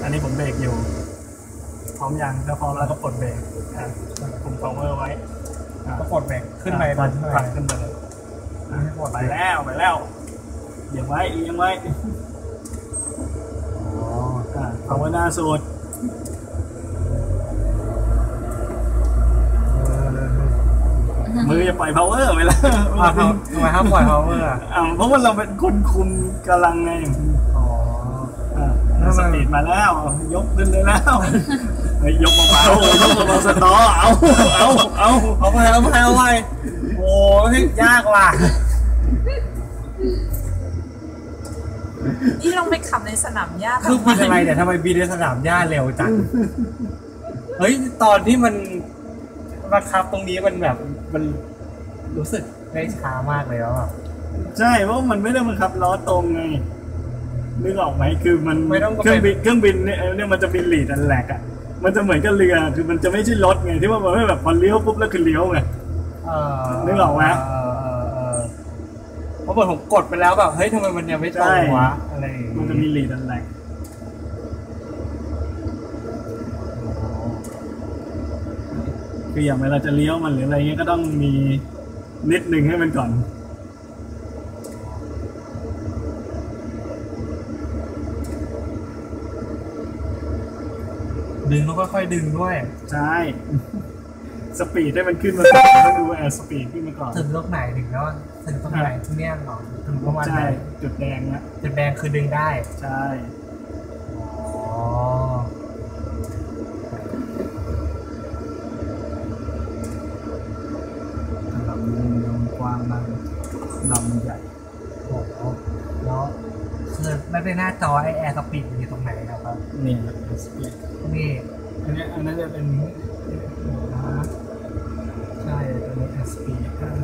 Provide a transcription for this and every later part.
อันนี้ผมเบรกอยู่พร้อมยังถ้าพร้อมแล้วก็ปลดเบรกคุม power ไว้ก็กดเบรกขึ้นไปผลักขึ้นไปเลยไปแล้วเอียงไว้power หน้าสุดมือจะปล่อย power ไปแล้วทำไมห้ามปล่อย power เพราะว่าเราเป็นคนคุมกำลังไงสปีดมาแล้วยกขึ้นเลยแล้วยกมาเบาสตอเอาไปโอ้ยยากว่ะนี่ลองไปขับในสนามหญ้าคือบินอะไรเนี่ยทำไมบินในสนามหญ้าเร็วจังเฮ้ยตอนที่มันบังคับตรงนี้มันแบบมันรู้สึกได้ช้ามากเลยแล้วใช่เพราะมันไม่ได้บังคับล้อตรงไงนึกออกไหมคือมันเครื่องบินเนี่ยมันจะบินลีดอันแหลกอ่ะมันจะเหมือนกับเรือคือมันจะไม่ใช่รถไงที่ว่ามันไม่แบบพอเลี้ยวปุ๊บแล้วคือเลี้ยวไงนึกออกไหมเพราะผมกดไปแล้วแบบเฮ้ยทำไมมันยังไม่ตรงวะอะไรมันจะมีลีดอันแหลกคืออย่างเวลาจะเลี้ยวมันหรืออะไรเงี้ยก็ต้องมีนิดนึงให้มันก่อนดึงแล้วค่อยๆดึงด้วยใช่สปีดให้มันขึ้นมาก่อนต้องดูสปีดขึ้นมาก่อนถึงลูกไหนถึงแล้วถึงตรงไหนที่เนี่ยหรอถึงประมาณไหนจุดแดงนะจุดแดงคือดึงได้ใช่ลำกว้างมากลำใหญ่โอ้โหแล้วคือไม่ได้หน้าจอไอแอร์สปีดอยู่ตรงไหนครับนี่สปีดนี่อันนี้จะเป็นใช่ตัวนี้สปีดนี้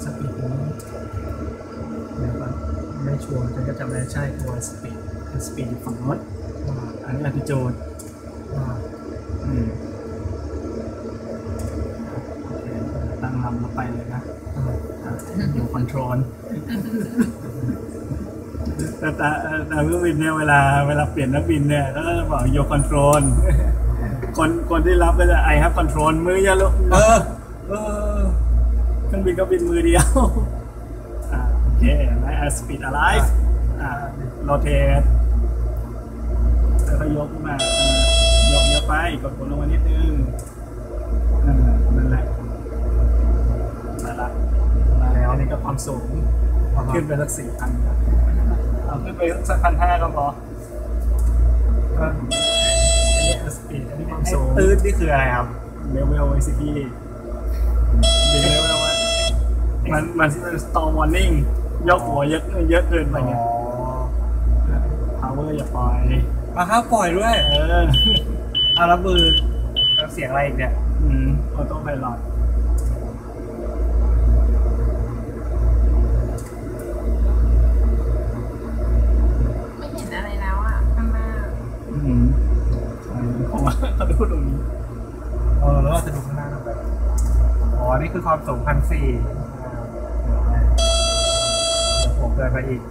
เดี๋ยวก่อนไม่ชัวร์จะจำได้ใช่ตัวสปีดอยู่ฝั่งโน้นอันนี้อัติโจดตั้งลำเราไปเลยนะอยู่คอนโทรลแต่เครื่องบินเนี่ยเวลาเปลี่ยนนักบินเนี่ยก็จะบอกโยคอนโทรลคนที่รับก็จะI have control มืออย่าลุกเครื่องบินก็บินมือเดียวโอเคและ speed alive rotate แล้วก็ยกมายกเยอะไปกดลงมานิดนึงนั่นแหละมาแล้วนี่ก็ความสูงขึ้นไปสัก 4,000 เอาขึ้นไปสัก 1,500 ก็พออันนี้สปีดอันนี้ความสูงตื้นนี่คืออะไรครับเลเวล ICP ดึงเลเวลไว้มัน storm warning ยกหัวเยอะเกินไปไง power อย่าปล่อยครับปล่อยด้วยเอาแล้วมือเสียงอะไรอีกเนี่ยออโต้ไพลอตไม่เห็นอะไรแล้วอ่ะข้างหน้าผมว่าเขาดูตรงนี้แล้วเราจะดูข้างหน้าแบบนี่คือความสูง 1,400 เดี๋ยวผมเดินไปอีก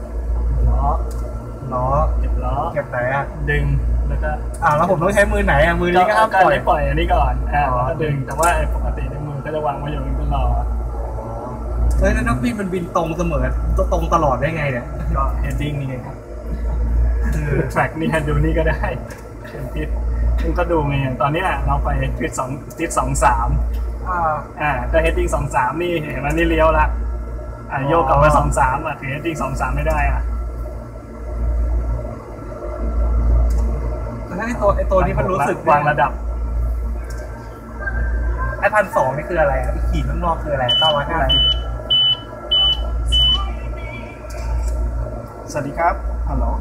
ล้อเก็บไหนดึงแล้วก็แล้วผมต้องใช้มือไหนมือนี้ก็ห้ามปล่อยอันนี้ก่อนแล้วก็ดึงแต่ว่าปกติในมือก็จะวางไว้อย่างนี้ตลอดแล้วนักบินมันบินตรงเสมอตรงตลอดได้ไงเนี่ยก็ heading นี่ไงครับคือ track นี่ heading นี่ก็ได้เป็นทิศซึ่งก็ดูไงตอนนี้เราไปทิศ 23แต่ heading 23นี่เห็นไหมนี่เลี้ยวละโยกกลับมา23ถึง heading 23ไม่ได้ถ้าไอตัวนี้มันรู้สึกวางระดับไอ้1,200นี่คืออะไรขีดข้างนอกคืออะไร950 สวัสดีครับฮัลโหล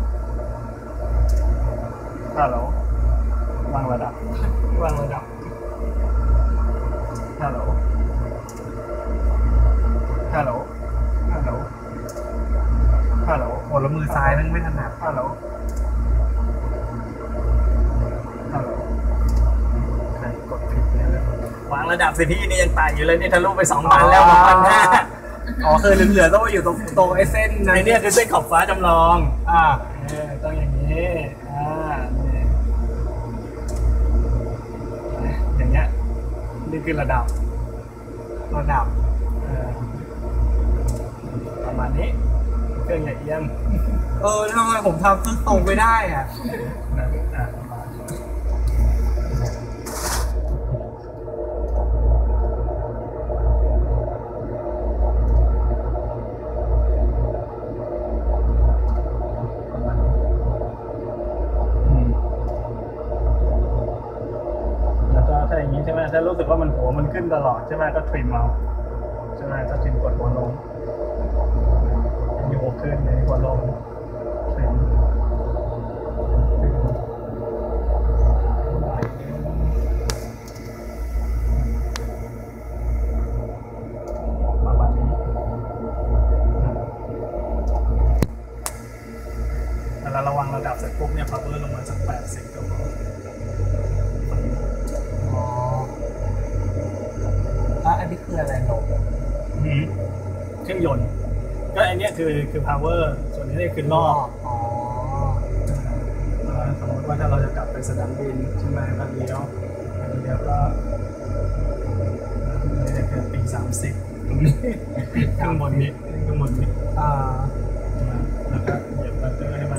วางระดับฮัลโหลโอ้แล้วมือซ้ายมันไม่ถนัดฮัลโหลใครกดผิดเนี่ยวางระดับสิพี่นี่ยังไต่อยู่เลยนี่ทะลุไป 2,000 แล้ว 1,500 คือเหลือต้องมาอยู่ตรงไอ้เส้นไอ้นี่คือเส้นขอบฟ้าจำลองต้องอย่างนี้คือระดับเออประมาณนี้เครื่องใหญ่เอียงทำไมผมทำเครื่องตรงไม่ได้อ่ะนะแล้วก็ถ้าอย่างนี้ใช่ไหมถ้ารู้สึกว่ามันหัวมันขึ้นตลอดใช่ไหมก็ทริมเอาใช่ไหมก็ทริมกดหัวลงมีหัวขึ้นมีหัวลงทริมประมาณนี้แล้วระวังระดับเสร็จปุ๊บเนี่ย power ลงมาสัก80ก็พออันนี้คืออะไรลงเครื่องยนต์ก็อันเนี้ยคือ power ส่วนนี้เนี่ยคือรอบ สมมติว่าถ้าเราจะกลับไปสนามบินใช่ไหมก็เลี้ยวก็นี่คือปี30ตรงนี้ข้างบนนี้แล้วก็เหยียบบัตเตอร์ให้มัน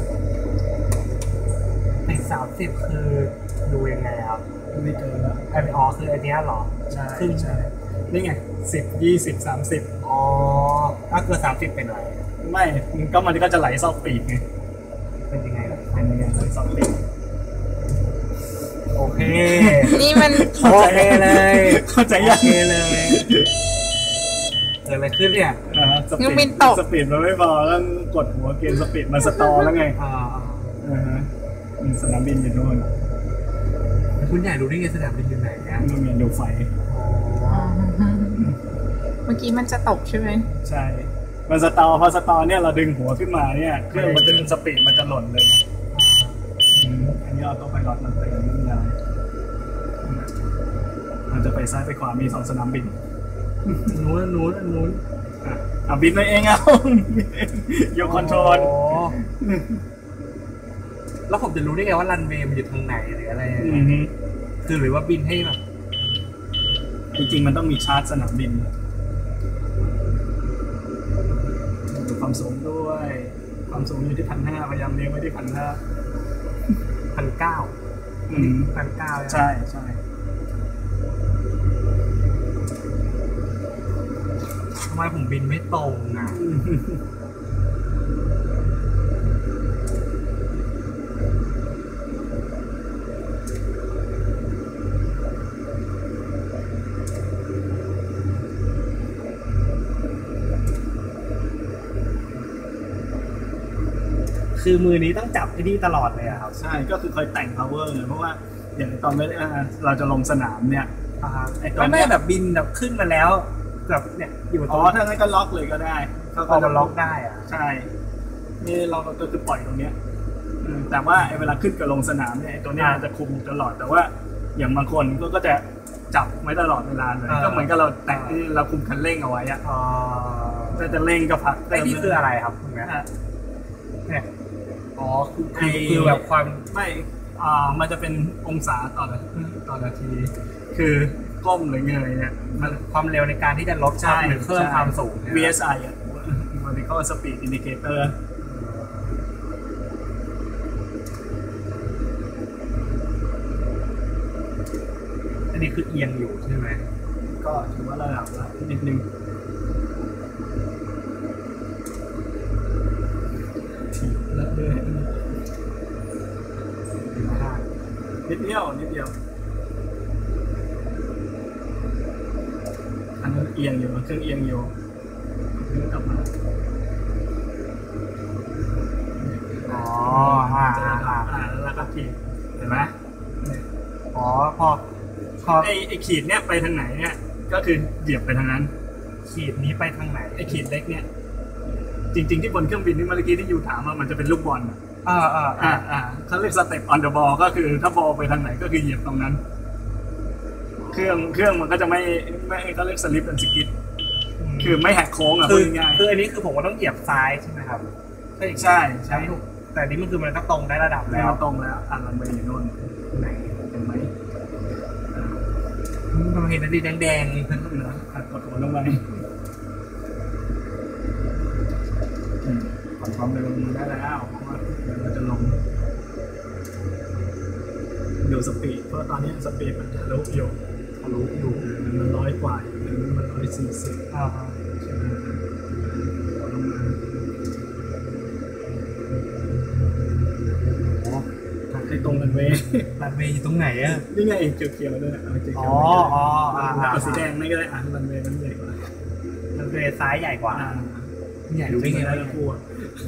ติด30คือดูยังไงครับไม่เกินแล้วคืออันนี้เหรอใช่นี่ไง10 20 30 ถ้าเกิน30เป็นอะไรไม่ก็มันก็จะไหลซอกปีกไงเป็นยังไงไหลซอกปีกโอเคนี่มันโอเคเลยเข้าใจยังโอเคเลยเกิดอะไรขึ้นเนี่ยสปีดมันไม่พอต้องกดหัวเกณฑ์สปีดมันสตอแล้วไงสนามบินอยู่นู่นคุณใหญ่รู้ได้ไงสนามบินอยู่ไหนเนี่ยนู่นมีดูไฟเมื่อกี้มันจะตกใช่ไหมใช่มันสตอพอสตอเนี่ยเราดึงหัวขึ้นมาเนี่ยเครื่องมันจะสปีดมันจะหล่นเลยอันนี้ออโต้ไพลอตมันเตือนเรื่องอะไรมันจะไปซ้ายไปขวามี2สนามบินนู้นบินไปเองเอายกคอนโทรลแล้วผมจะรู้ได้ไงว่ารันเวย์มันอยู่ทางไหนหรืออะไรคือหรือว่าบินให้แบบจริงๆมันต้องมีชาร์จสนามบินดูความสูงด้วยความสูงอยู่ที่1,500พยายามเลี้ยงไว้ที่1,500 1,900 ใช่ทำไมผมบินไม่ตรงอ่ะคือมือนี้ต้องจับไอ้นี่ตลอดเลยครับใช่ก็คือคอยแต่ง power เพราะว่าอย่างตอนเราจะลงสนามเนี่ยไม่แบบบินแบบขึ้นมาแล้วแบบเนี่ยอยู่ตรงถ้างั้นก็ล็อกเลยก็ได้เขาก็ล็อกได้อะใช่นี่เราก็คือปล่อยตรงเนี้ยแต่ว่าเวลาขึ้นกับลงสนามเนี่ยตัวนี้จะคุมตลอดแต่ว่าอย่างบางคนก็จะจับไว้ตลอดเวลาเลยก็เหมือนกับเราแตะที่เราคุมคันเร่งเอาไว้อะถ้าจะเร่งก็พักไอ้นี่คืออะไรครับคุณแม่เนี่ยคือแบบความไม่มันจะเป็นองศาต่อนาทีคือก้มหรือเงยเนี่ยมันความเร็วในการที่จะลดหรือเพิ่มความสูง VSI Vertical Speed Indicator อันนี้คือเอียงอยู่ใช่ไหมก็ถือว่าระดับละนิดนึงแล้วด้วยนิดเดียวอันนั้นเอียงอยู่เครื่องเอียงอยู่กลับมาแล้วก็ขีดเห็นไหมพอไอ้ขีดเนี้ยไปทางไหนเนี่ยก็คือเหยียบไปทางนั้นขีดนี้ไปทางไหนไอ้ขีดเล็กเนี่ยจริงๆที่บนเครื่องบินนี่เมื่อกี้ที่อยู่ถามว่ามันจะเป็นลูกบอลเขาเรียกสเต็ปออนเดอะบอลก็คือถ้าบอลไปทางไหนก็คือเหยียบตรงนั้นเครื่องมันก็จะไม่เขาเรียกสลิปแอนด์สกิดคือไม่แหกโค้งพูดง่ายคืออันนี้คือผมก็ต้องเหยียบซ้ายใช่ไหมครับใช่แต่นี้มันคือมันก็ตรงได้ระดับแล้วตรงแล้วรันเวย์อยู่โน่นไหนเห็นไหมมันเห็ห็นอะไรแดงกดหัวลงไปปรับความเร็วลงได้แล้วเพราะว่าเดี๋ยวเราจะลงดูสปีดเพราะตอนนี้สปีดมันทะลุอยู่มัน100 กว่าอยู่มัน140 ๆใช่ไหมลงมาโอ้ให้ตรงรันเวย์รันเวย์อยู่ตรงไหนอะนี่ไงเขียวๆด้วยเอาเขียวอ๋อเอาสีแดงไม่ก็ได้รันเวย์มันใหญ่กว่ารันเวย์ซ้ายใหญ่กว่าใหญ่ดูได้ไงได้วะแล้วพูด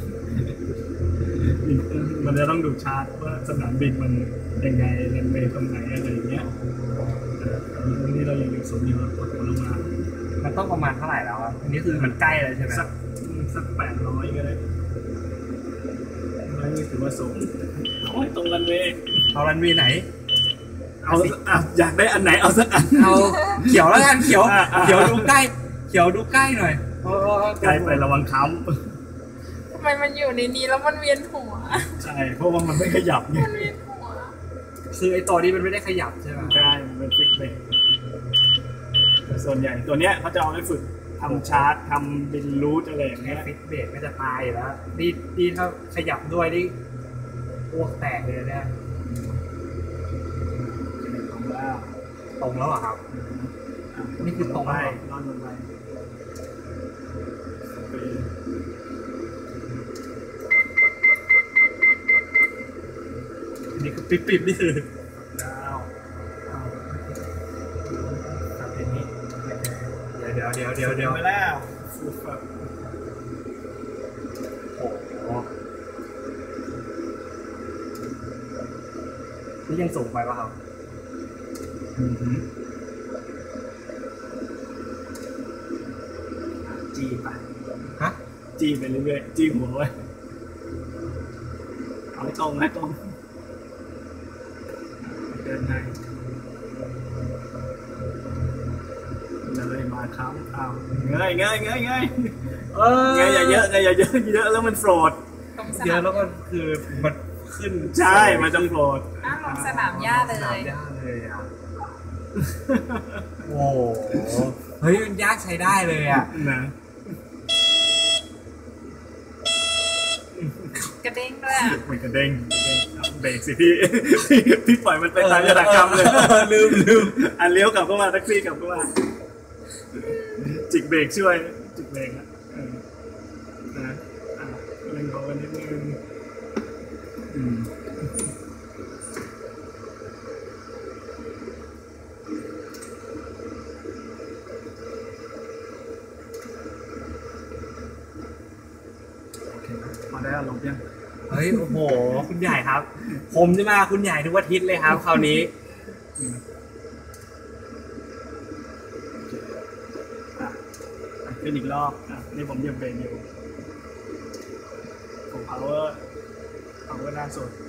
มันจะต้องดูชาร์ตว่าสนามบินมันยังไงรันเวย์ตรงไหนอะไรอย่างเงี้ยตอนนี้เรายังอยู่ศูนย์อยู่กดหัวลงมามันต้องประมาณเท่าไหร่แล้วอะอันนี้คือมันใกล้เลยใช่ไหมสัก800ก็ได้ไม่ถือว่าสูงโอ้ยตรงรันเวย์เอารันเวย์ไหนเอาอยากได้อันไหนเอาสักอันเอาเขียวแล้วกันเขียวอ่ะเขียวดูใกล้เขียวดูใกล้หน่อยใกล้ไประวังค้ทำไมมันอยู่ในนี้แล้วมันเวียนหัวำใช่เพราะว่ามันไม่ขยับไงมันเวียนหัวคือไอ้ตัวนี้มันไม่ได้ขยับใช่ไหมใช่มันเป็นฟิกเบรกส่วนใหญ่ตัวเนี้ยเขาจะเอาไว้ฝึกทำชาร์ตทำบินรูทอะไรอย่างแค่เงี้ยฟิตเบรกก็จะตายอยู่แล้วนี่ถ้าขยับด้วยนี่อ้วกแตกเลยเนี่ยตรงแล้วตรงแล้วอะครับ นี่คือตรงไปแล้วเหรอนอนลงไปนี่คือปิดนี่คือดาวทำเป็นนี้เดี๋ยวไปแล้วฟูฟับโอ้โหนี่ยังสูงไปป่ะครับจีไปฮะจีไปเรื่อยๆจีหัวไว้เอาให้ตรงให้ตรงเดินในเลยมาครับอ้าวเงยเงยอย่าเยอะแล้วมันโฟลดตรงสเยนาอะมแล้วก็คือมันขึ้นใช่มันจะโฟลดอ้าวลงสนามหญ้าเลสนามยหญ้าเลยอ่ะ โอ้โหเฮ้ยมันยากใช้ได้เลยอ่ะนะกระเด้งด้วยอะมันกระเด้งเบรกสิพี่ พี่ปล่อยมันไปตามยถากรรมเลยลืมอันเลี้ยวกลับเข้ามาแท็กซี่กลับเข้ามาจิกเบรกช่วยจิกเบรกนะเล่นของกันนิดนึงโอเคพอได้อารมณ์ยังเฮ้ยโอ้โหคุณใหญ่ครับ ผมจะมาคุณใหญ่ทุกอาทิตย์เลยครับคราวนี้ขึ้นอีกรอบนี่ผมเหยียบเบรกอยู่ผม power หน้าสุด